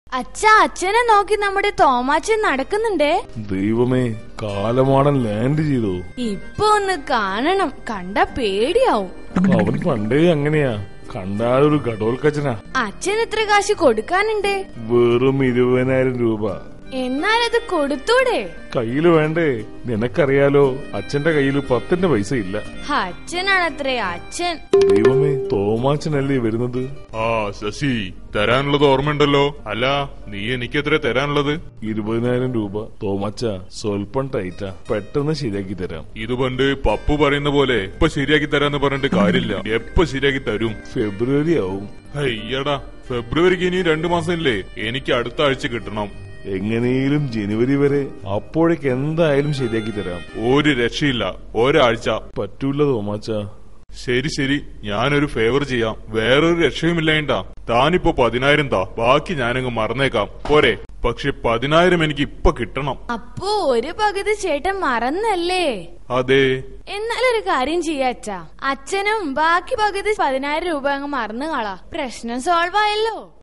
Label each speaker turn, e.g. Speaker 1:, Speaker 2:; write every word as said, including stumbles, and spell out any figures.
Speaker 1: അച്ഛാ, അച്ഛനെ നോക്കി നമ്മുടെ തോമാച്ചൻ നടക്കുന്നുണ്ടേ.
Speaker 2: ദൈവമേ, കാലമാടൻ ലാൻഡ് ചെയ്തോ?
Speaker 1: ഇപ്പൊ ഒന്ന് കാണണം, കണ്ട പേടിയാവും.
Speaker 2: അവൻ പണ്ടേ അങ്ങനെയാ, കണ്ടാലൊരു ഘടോൽക്കച്ചനാ.
Speaker 1: അച്ഛൻ എത്ര കാശ് കൊടുക്കാനുണ്ട്?
Speaker 2: വെറും ഇരുപതിനായിരം രൂപ.
Speaker 1: എന്നാലത് കൊടുത്തൂടെ?
Speaker 2: കയ്യില് വേണ്ടേ? നിനക്കറിയാലോ, അച്ഛന്റെ കയ്യില് പത്തിന്റെ പൈസ ഇല്ല.
Speaker 1: അച്ഛനാണത്രേ അച്ഛൻ.
Speaker 2: ദൈവമേ, തോമാച്ചനല്ലേ വരുന്നത്?
Speaker 3: ആ ശശി, തരാനുള്ളത് ഓർമ്മയുണ്ടല്ലോ. അല്ല, നീ എനിക്ക് എത്ര തരാനുള്ളത്?
Speaker 2: ഇരുപതിനായിരം രൂപ. തോമാച്ച സ്വൽപ്പം ടൈറ്റാ, പെട്ടെന്ന് ശരിയാക്കി തരാം.
Speaker 3: ഇത് പണ്ട് പപ്പു പറയുന്ന പോലെ ഇപ്പൊ ശരിയാക്കി തരാന്ന് പറഞ്ഞിട്ട് കാര്യമില്ല. എപ്പൊ ശരിയാക്കി തരും?
Speaker 2: ഫെബ്രുവരി ആവും.
Speaker 3: അയ്യടാ, ഫെബ്രുവരിക്ക് ഇനി രണ്ടു മാസം ഇല്ലേ? എനിക്ക് അടുത്ത ആഴ്ച കിട്ടണം.
Speaker 2: എങ്ങനെയും ജനുവരി വരെ. അപ്പോഴേക്ക് എന്തായാലും ശരിയാക്കി തരാം.
Speaker 3: ഒരു രക്ഷയില്ല, ഒരാഴ്ച
Speaker 2: പറ്റൂല തോമാച്ച.
Speaker 3: ശരി ശരി, ഞാനൊരു ഫേവർ ചെയ്യാം. വേറൊരു രക്ഷയുമില്ലേണ്ടാ. താനിപ്പോ പതിനായിരം താ, ബാക്കി ഞാനങ്ങ് മറന്നേക്കാം, പോരെ? പക്ഷെ പതിനായിരം എനിക്ക് ഇപ്പൊ കിട്ടണം.
Speaker 1: അപ്പോ ഒരു പകുതി ചേട്ടൻ മറന്നല്ലേ?
Speaker 3: അതെ.
Speaker 1: എന്നാലൊരു കാര്യം ചെയ്യാച്ചാ, അച്ഛനും ബാക്കി പകുതി പതിനായിരം രൂപ അങ്ങ് മറന്നു കളാ. പ്രശ്നം സോൾവ് ആയല്ലോ.